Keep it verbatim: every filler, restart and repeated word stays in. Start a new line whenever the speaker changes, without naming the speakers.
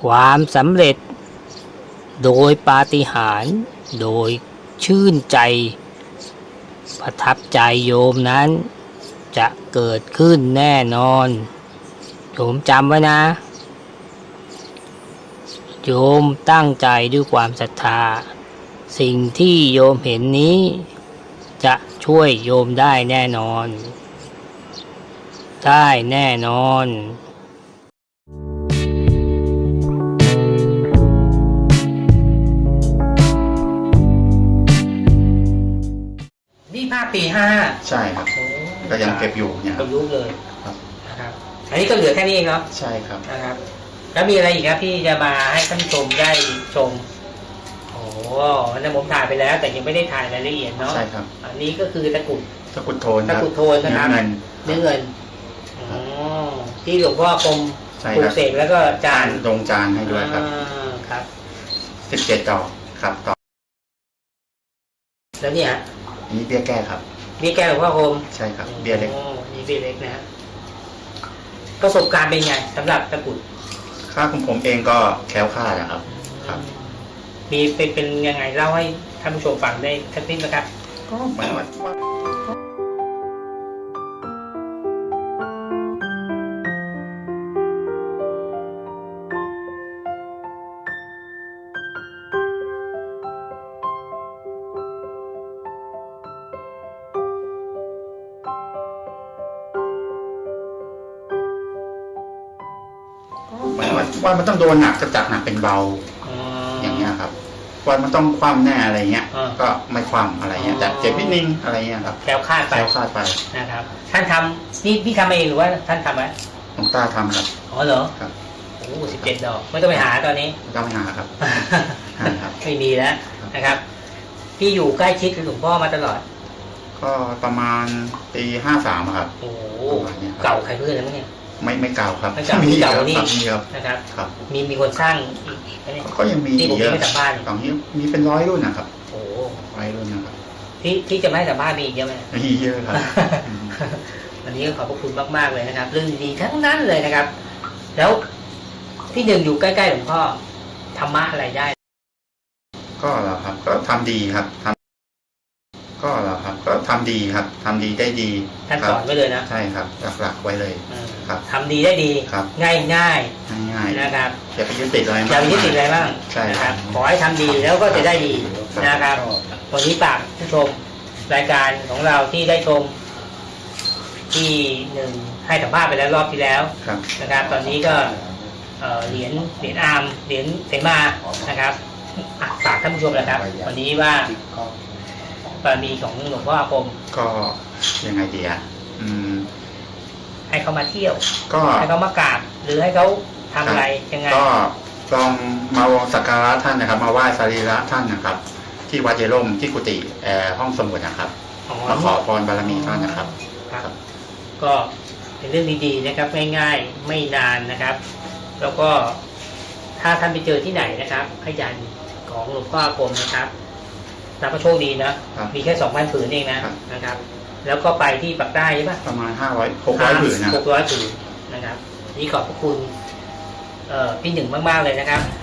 ความสำเร็จโดยปาฏิหาริย์โดยชื่นใจประทับใจโยมนั้นจะเกิดขึ้นแน่นอนโยมจำไว้นะโยมตั้งใจด้วยความศรัทธาสิ่งที่โยมเห็นนี้จะช่วยโยมได้แน่นอนได้แน่นอนนี่ภาพปีห้า
ใช่ครับก็ยังเก็บอยู่เนี่ยครับ
ประยุกต์เลย
ครับ
นะครับอันนี้ก็เหลือแค่นี้เองเนาะ
ใช่ครับ
นะครับแล้วมีอะไรอีกครับที่จะมาให้ท่านผู้ชมได้ชมโอ้นั่นผมถ่ายไปแล้วแต่ยังไม่ได้ถ่ายรายละเอียดเนาะ
ใช่ครับ
อันนี้ก็คือตะกุด
ตะกุดโทน
ตะกุดโทนนะครับ
เงิน
เนื้อเงินอ๋อที่หลวงพ่อกรมปลูกเสกแล้วก็จาน
ลงจานให้ด้วยครับ
ครับ
สิบเจ็ดดอกครับต่อ
แล้วเนี่ย
นี่เบี้ยแก้ครับ
เบี้ยแก้หลวงพ่อกรม
ใช่ครับเบี้ยเล็ก
นี่เบี้ยเล็กนะฮะประสบการณ์เป็นไงสำหรับตะกุด
ค่าของผมเองก็แคล้วคลาดนะครับครับ
มีเป็นเป็นยังไงเล่าให้ท่านผู้ชมฟังได้สักนิดนะครับ
ก็หมายว่าว่ามันต้องโดนหนักจะจัดหนักเป็นเบาอย่างเงี้ยครับว่ามันต้องคว่ำแน่อะไรเงี้ยก็ไม่คว่ำอะไรเงี้ยแต่เจ็บนิดนึงอะไรเงี้ยครับ
แคล้วคลาดไป
แคล้วคลาดไป
นะครับท่านทำนี่พี่ทำเองหรือว่าท่านทำไหม
หลวงตาทำครับ
อ๋อเหรอ
ครับ
โอ้สิบเจ็ดดอกไม่ต้องไปหาตอนนี้
ไม่ต้องไปหาครับ
ไม่มีแล้วนะครับพี่อยู่ใกล้ชิดกับหลวงพ่อมาตลอด
ก็ประมาณปีห้าสามครับ
โอ้เก่าใครเพื่อนแล้วมั้งเนี่ย
ไม่ไม่เก่าครับ
ไม่เก่ามีเก่านี่นะครับ
ครับ
มีมีคนสร้างอีก
ก็ยังมี
ที่ผมไม่สัมภาษณ์
ตอนนี้มีเป็นร้อยรุ่นนะครับ
โอ้
ร้อยรุ่นนะครับ
ที่ที่จะไม่สัมภาษณ์มีอีกเยอะไหม
มีเยอะครับ
วันนี้ก็ขอบพระคุณมากๆเลยนะครับเรื่องดีทั้งนั้นเลยนะครับแล้วที่หนึ่งอยู่ใกล้ๆหลวงพ่อธรรมะอะไรได้
ก็เหรอครับก็ทำดีครับทำก็เหรอครับก็ทำดีครับทำดีได้ดี
ท่านสอนไว้เลยนะ
ใช่ครับหลักๆไว้เลยครับ
ทำดีได้ดีง่ายง่าย
ง่าย
นะครับ
อย่าไปยึดติดอะไร
อย่าไปยึดติดอะไรบ้าง
ใช่
ครับขอให้ทำดีแล้วก็จะได้ดีนะครับวันนี้ฝากผู้ชมรายการของเราที่ได้ชมที่หนึ่งให้สัมภาษณ์ไปแล้วรอบที่แล้วนะครับตอนนี้ก็เหรียญเหรียญอาร์มเหรียญเสมานะครับฝากท่านผู้ชมนะครับวันนี้ว่าบารมีของหลวงพ่ออาคม
ก็ยังไงดีอ่ะ
ให้เขามาเที่ยวก็ให้เขามากราบหรือให้เขาทำอะไรยังไง
ก็ลองมาสักการะท่านนะครับมาไหว้สรีระท่านนะครับที่วัดเยร่มที่กุฏิห้องสมุดนะครับมาขอพรบารมีท่านนะครับ
ครับก็เป็นเรื่องดีๆนะครับง่ายๆไม่นานนะครับแล้วก็ถ้าท่านไปเจอที่ไหนนะครับพยัญชนะของหลวงพ่ออาคมนะครับนับว่าโชคดีนะมีแค่สองพันผืนเองนะนะครับแล้วก็ไปที่ปักใต้ใช่ปะ
ประมาณห้าร้อยหกร้อยผืนนะ
หกร้อยผืนนะครับนี่ขอบพระคุณพี่หนึ่งมากๆเลยนะครับ